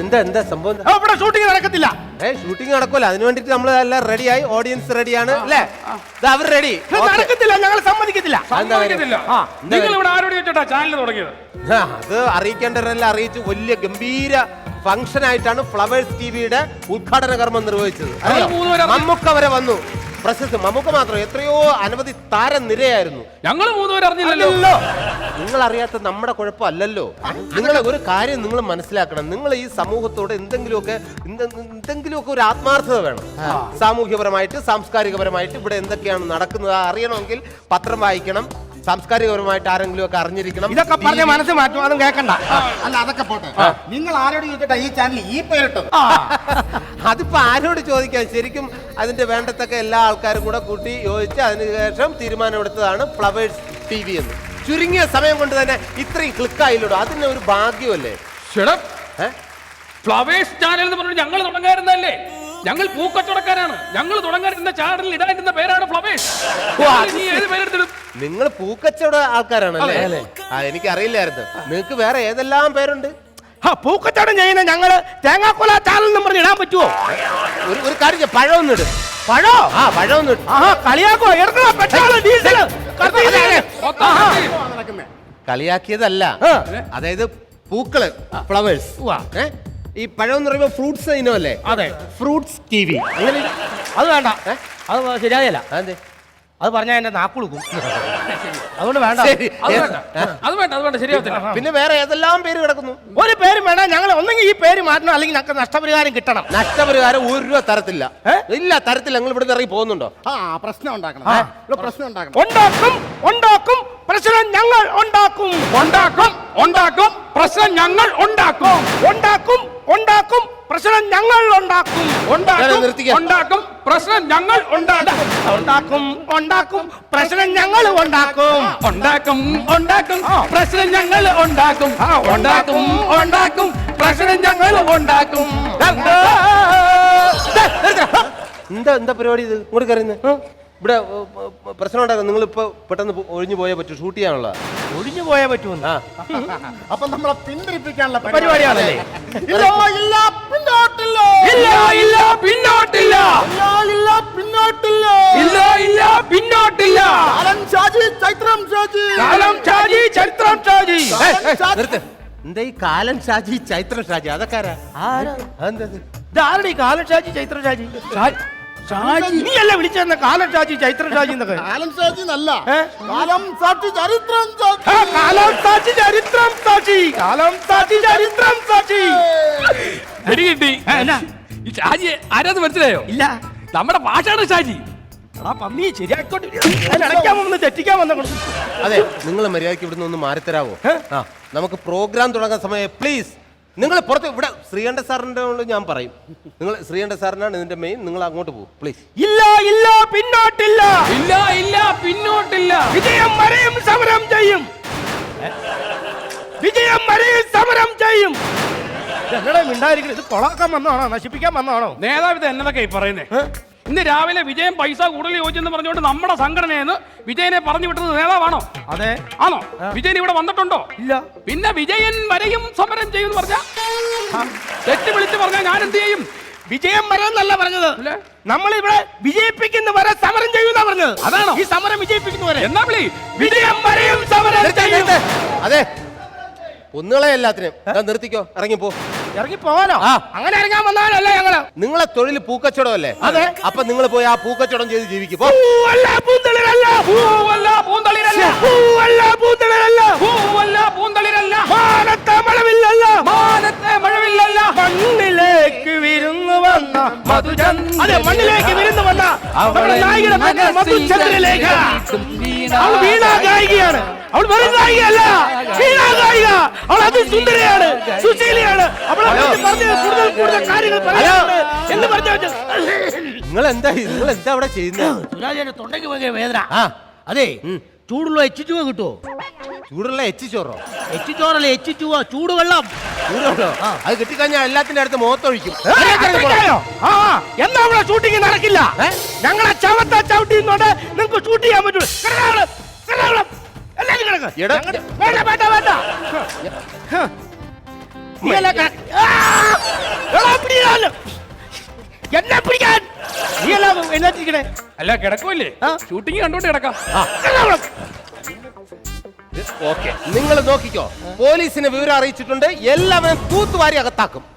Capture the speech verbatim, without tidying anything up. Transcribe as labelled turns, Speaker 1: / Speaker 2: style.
Speaker 1: എന്താ എന്താ സംഭവം?
Speaker 2: ഇവിടെ ഷൂട്ടിംഗ് നടക്കത്തില്ല.
Speaker 1: ഏ ഷൂട്ടിംഗ് നടക്കൂല. അതിന് വേണ്ടിട്ട് നമ്മൾ എല്ലാം റെഡിയായി, ഓഡിയൻസ് റെഡിയാണ് അല്ലേ? അവർ റെഡി.
Speaker 2: നടക്കത്തില്ല, ഞങ്ങൾ സമ്മതിക്കത്തില്ല.
Speaker 3: നിങ്ങൾ ഇവിടെ ആരോട് ചോദിച്ചോട്ടാ ചാനൽ തുടങ്ങിയത്?
Speaker 1: അത് അറിയിക്കേണ്ടവരെല്ലാം അറിയിച്ചു. വലിയ ഗംഭീര ഫംഗ്ഷൻ ആയിട്ടാണ് ഫ്ലവേഴ്സ് ടിവിയുടെ ഉദ്ഘാടന കർമ്മം നിർവഹിച്ചത്. മമ്മൂക്ക വരെ വന്നു. പ്രശസ്തി മമ്മൂക്ക മാത്രം, എത്രയോ അനവധി താരം നിരയായിരുന്നു.
Speaker 3: ഞങ്ങൾ മൂന്നുപേരും അറിഞ്ഞില്ലല്ലോ.
Speaker 1: നിങ്ങൾ അറിയാത്ത നമ്മുടെ കുഴപ്പമല്ലല്ലോ. നിങ്ങൾ ഒരു കാര്യം നിങ്ങൾ മനസ്സിലാക്കണം. നിങ്ങൾ ഈ സമൂഹത്തോട് എന്തെങ്കിലുമൊക്കെ എന്തെങ്കിലുമൊക്കെ ഒരു ആത്മാർത്ഥത വേണം. സാമൂഹ്യപരമായിട്ട്, സാംസ്കാരികപരമായിട്ട് ഇവിടെ എന്തൊക്കെയാണ് നടക്കുന്നത് അറിയണമെങ്കിൽ പത്രം വായിക്കണം. സാംസ്കാരികപരമായിട്ട് ആരെങ്കിലും ഒക്കെ അറിഞ്ഞിരിക്കണം.
Speaker 2: ഇതൊക്കെ പറഞ്ഞ മനസ്സ് മാറ്റും, അതും കേൾക്കണ്ട.
Speaker 4: അല്ല, അതൊക്കെ പോട്ടെ. നിങ്ങൾ ആരോട് ചോദിച്ചിട്ടാ ഈ ചാനൽ ഈ പേരിട്ടത്?
Speaker 1: അതിപ്പോ ആരോട് ചോദിക്കാൻ? ശരിക്കും അതിന്റെ വേണ്ടത്തക്ക എല്ലാ ആൾക്കാരും കൂടെ കൂട്ടി യോജിച്ച് അതിനുശേഷം തീരുമാനമെടുത്തതാണ് ഫ്ലവേഴ്സ് ടി വി എന്ന്. ചുരുങ്ങിയ സമയം കൊണ്ട് തന്നെ ഇത്രയും ക്ലിക്കായില്ലോ. അതിന് ഒരു ഭാഗ്യമല്ലേ?
Speaker 3: ഫ്ലവേഴ്സ് ചാനൽ എന്ന് പറഞ്ഞിട്ട് ഞങ്ങൾ തുടങ്ങാറുന്നല്ലേ? ഞങ്ങൾ പൂക്കച്ചവടക്കാരാണ്. ഞങ്ങൾ തുടങ്ങാനിരുന്ന ചാനലിൽ ഇടാനിരുന്ന പേരാണ് ഫ്ലവേഴ്സ്.
Speaker 1: നിങ്ങൾ പൂക്കച്ചവട ആൾക്കാരാണല്ലേ? ആ, എനിക്ക് അറിയില്ലായിരുന്നു. നിങ്ങൾക്ക് വേറെ ഏതെല്ലാം പേരുണ്ട്?
Speaker 2: പൂക്കച്ചവടം ചെയ്യുന്ന ഞങ്ങള് തേങ്ങാക്കൊല ചാനൽ എന്ന് പറഞ്ഞ് ഇടാൻ പറ്റുമോ?
Speaker 1: ഒരു ഒരു കാര്യം, പഴം ഒന്നിട്.
Speaker 2: പഴോ?
Speaker 1: ആ, പഴം ഒന്നിട്ട്.
Speaker 2: കളിയാക്കോ?
Speaker 1: കളിയാക്കിയതല്ല. അതായത് പൂക്കള്, ഫ്ലവേഴ്സ്. ഈ പഴം എന്ന് പറയുമ്പോ ഫ്രൂട്ട്സ് ഇനമല്ലേ?
Speaker 2: അതെ,
Speaker 1: ഫ്രൂട്ട്സ് ടി വി.
Speaker 2: അത് വേണ്ട, അത് ശരിയായല്ല.
Speaker 1: അതെ,
Speaker 2: അത് പറഞ്ഞാൽ എന്റെ നാക്കുളുക്കും. അതുകൊണ്ട് വേണ്ട,
Speaker 3: അത് വേണ്ട, അത് വേണ്ട, ശരിയാവത്തില്ല.
Speaker 1: പിന്നെ വേറെ ഏതെല്ലാം പേര് കിടക്കുന്നു?
Speaker 2: ഒരു പേര് വേണം. ഞങ്ങൾ ഒന്നെങ്കിൽ ഈ പേര് മാറ്റണം, അല്ലെങ്കിൽ ഞങ്ങൾക്ക് നഷ്ടപരിഹാരം കിട്ടണം.
Speaker 1: നഷ്ടപരിഹാരം ഒരു രൂപ തരത്തില്ല. ഇല്ല, തരത്തില്ല. നിങ്ങൾ ഇവിടെ ഇറങ്ങി പോകുന്നുണ്ടോ?
Speaker 4: ആ, പ്രശ്നം ഉണ്ടാക്കണം. പ്രശ്നം ഉണ്ടാക്കണം.
Speaker 2: ഉണ്ടാക്കും, ഉണ്ടാക്കും. പ്രശ്നം ഞങ്ങൾ ഉണ്ടാക്കും.
Speaker 3: ഉണ്ടാക്കും, ഉണ്ടാക്കും. പ്രശ്നം ഞങ്ങൾ ഉണ്ടാക്കും.
Speaker 2: ഉണ്ടാക്കും, ഉണ്ടാക്കും. പ്രശ്നം ഞങ്ങൾ ഉണ്ടാക്കും.
Speaker 3: ഉണ്ടാക്കും, ഉണ്ടാക്കും. പ്രശ്നം ഞങ്ങൾ ഉണ്ടാക്കും.
Speaker 2: ഉണ്ടാക്കും, ഉണ്ടാക്കും. പ്രശ്നം ഞങ്ങൾ ഉണ്ടാക്കും.
Speaker 3: ഉണ്ടാക്കും, ഉണ്ടാക്കും. പ്രശ്നം ഞങ്ങൾ ഉണ്ടാക്കും. ഉണ്ടാക്കും, ഉണ്ടാക്കും. പ്രശ്നം ഞങ്ങൾ ഉണ്ടാക്കും.
Speaker 1: എന്താ എന്താ പരിപാടി ഇത്? ഇങ്ങോട്ട് കയറുന്നത് ഇവിടെ പ്രശ്നം ഉണ്ടാക്കാം. നിങ്ങൾ ഇപ്പൊ പെട്ടെന്ന് ഒഴിഞ്ഞു പോയാൽ പറ്റൂ. ഷൂട്ട് ചെയ്യാനുള്ള
Speaker 2: ഒഴിഞ്ഞു പോയാൽ പറ്റുമെന്ന്.
Speaker 4: അപ്പൊ നമ്മളെ പിന്തിരിപ്പിക്കാനുള്ള
Speaker 2: പരിപാടിയാണല്ലേ?
Speaker 4: ഇല്ല, ഇല്ല, പിന്നോട്ടില്ല.
Speaker 3: ഇല്ല, ഇല്ല, പിന്നോട്ടില്ല.
Speaker 4: ഇല്ല, പിന്നോട്ടില്ല.
Speaker 3: ഇല്ല, ഇല്ല, പിന്നോട്ടില്ല.
Speaker 4: കാലം ഷാജി, ചൈത്രം ഷാജി.
Speaker 3: കാലം ഷാജി, ചരിത്രം ഷാജി.
Speaker 1: എന്താ ഈ കാലൻ ഷാജി, ചൈത്ര ഷാജി? അതൊക്കെ
Speaker 2: ആരുടെ ഈ കാലൻ ഷാജി, ചൈത്ര ഷാജി? നീ അല്ല വിളിച്ചെന്ന കാലം ഷാജി, ചൈത്ര ഷാജി എന്നൊക്കെ.
Speaker 4: കാലം ഷാജി എന്നല്ല, കാലം സാക്ഷി, ചരിത്രം സാക്ഷി.
Speaker 2: കാലം സാക്ഷി, ചരിത്രം സാക്ഷി. കാലം സാക്ഷി, ചരിത്രം സാക്ഷി.
Speaker 3: കിട്ടി. ഈ ഷാജി ആരാന്ന് മനസ്സിലായോ?
Speaker 2: ഇല്ല,
Speaker 3: നമ്മുടെ ഭാഷയാണ് ഷാജി.
Speaker 2: പന്നി ശരിയാക്കോട്ടെ. അടയ്ക്കാൻ വന്ന് തെറ്റിക്കാൻ വന്ന.
Speaker 1: അതെ, നിങ്ങൾ മര്യാദയ്ക്ക് ഇവിടുന്ന് ഒന്ന് മാറിത്തരാവോ? ആ, നമുക്ക് പ്രോഗ്രാം തുടങ്ങാൻ സമയം. പ്ലീസ്, നിങ്ങൾ പുറത്ത്. ഇവിടെ ശ്രീകണ്ഠ സാറിന്റെ ഞാൻ പറയും. നിങ്ങൾ ശ്രീകണ്ഠ സാറിനാണ് ഇതിന്റെ മെയിൻ. നിങ്ങൾ അങ്ങോട്ട് പോകും പ്ലീസ്.
Speaker 2: ഇല്ല, ഇല്ല, പിന്നോട്ടില്ല.
Speaker 3: ഇല്ല, ഇല്ല, പിന്നോട്ടില്ല.
Speaker 2: വിജയം വരെയും സമരം ചെയ്യും. വിജയം വരെയും സമരം ചെയ്യും. ഞങ്ങളെ മിണ്ടായിരിക്കും. ഇത് കൊളാക്കാൻ വന്നതാണോ? നശിപ്പിക്കാൻ വന്നതാണോ?
Speaker 3: നേതാവ് ഇത് എന്നതൊക്കെ പറയുന്നേ? ഇന്ന് രാവിലെ വിജയം പൈസ കൂടുതൽ ചോദിച്ചെന്ന് പറഞ്ഞുകൊണ്ട് നമ്മുടെ സംഘടനയെന്ന് വിജയനെ പറഞ്ഞു വിട്ടത് നേതാവാണോ?
Speaker 2: അതെ.
Speaker 3: ആണോ? വിജയൻ ഇവിടെ വന്നിട്ടുണ്ടോ?
Speaker 2: ഇല്ല.
Speaker 3: പിന്നെ വിജയൻ വരെയും സമരം ചെയ്യും എന്ന് പറഞ്ഞ തെറ്റ് വിളിച്ച് പറഞ്ഞാൽ ഞാൻ എന്ത് ചെയ്യും?
Speaker 2: വിജയം വരെന്നല്ല പറഞ്ഞത്. നമ്മളിവിടെ വിജയിപ്പിക്കുന്ന വരെ സമരം ചെയ്യുന്ന പറഞ്ഞത്.
Speaker 3: അതാണോ
Speaker 2: ഈ സമരം വിജയിപ്പിക്കുന്നവരെ?
Speaker 3: എന്നാ വിളി വിജയം വരെയും സമരം ചെയ്യും.
Speaker 1: അതെ, ഒന്നുകളെ എല്ലാത്തിനും നിർത്തിക്കോ. ഇറങ്ങിപ്പോ.
Speaker 2: ഇറങ്ങി പോവാനോ? അങ്ങനെ ഇറങ്ങാൻ വന്നാലല്ല ഞങ്ങള്.
Speaker 1: നിങ്ങളെ തൊഴിൽ പൂക്കച്ചവടം അല്ലേ?
Speaker 2: അതെ.
Speaker 1: അപ്പൊ നിങ്ങൾ പോയി ആ പൂക്കച്ചവടം ചെയ്ത് ജീവിക്കും.
Speaker 2: മാനത്തെ മഴവില്ലല്ല,
Speaker 3: മാനത്തെ മഴവില്ലല്ല.
Speaker 2: മണ്ണിലേക്ക് വിരുന്നു വന്ന മധുചന്ദ്ര. അതെ, മണ്ണിലേക്ക് വിരുന്നു വന്ന നമ്മുടെ നായികയുടെ പേര് മധുചന്ദ്രലേഖ. അവൾ വീണാ ഗായികയാണ്. അവൾ വെറും ഗായികയല്ല, വീണാ ഗായിക. അവൾ അതിസുന്ദരിയാണ്, സുശീലയാണ്. അവളെ പറഞ്ഞ കൂടുതൽ കൂടുതൽ കാര്യങ്ങൾ പറയാനുണ്ട് എന്ന് പറഞ്ഞു.
Speaker 1: നിങ്ങൾ എന്താ നിങ്ങൾ എന്താ അവിടെ ചെയ്യുന്നത്?
Speaker 2: സുരാജന്റെ തൊണ്ടയ്ക്ക് ഭയങ്കര വേദന. അതെ, ചൂടുള്ള എച്ച് ചുവ കിട്ടുമോ?
Speaker 1: ചൂടുള്ള എച്ച് ചോറോ?
Speaker 2: എച്ച് ചോറല്ലേ, എച്ച് ചുവ, ചൂടുവെള്ളം.
Speaker 1: ചൂടുവെള്ളോ? അത് കിട്ടിക്കഴിഞ്ഞാൽ എല്ലാത്തിന്റെ അടുത്ത് മുഖത്തൊഴിക്കും.
Speaker 2: എന്നാ അവിടെ ഷൂട്ടിംഗ് നടക്കില്ല. ഞങ്ങളെ ചവത്ത ചവിട്ടിന്നോണ്ട് നിങ്ങൾക്ക് ഷൂട്ട് ചെയ്യാൻ പറ്റുള്ളൂ. എല്ലാരും കിടക്ക്. വേണ്ട വേണ്ട വേണ്ട. എടാ, പിടിക്കാനോ. എന്നെ പിടിക്കാൻ നീ അല്ല എന്നാ
Speaker 3: അല്ല കിടക്കുമല്ലേ
Speaker 2: ആ.
Speaker 3: ഷൂട്ടിങ് കണ്ടോണ്ട് കിടക്കാം
Speaker 1: ഓക്കെ നിങ്ങൾ നോക്കിക്കോ പോലീസിനെ വിവരം അറിയിച്ചിട്ടുണ്ട് എല്ലാവരും തൂത്തുവാരി അകത്താക്കും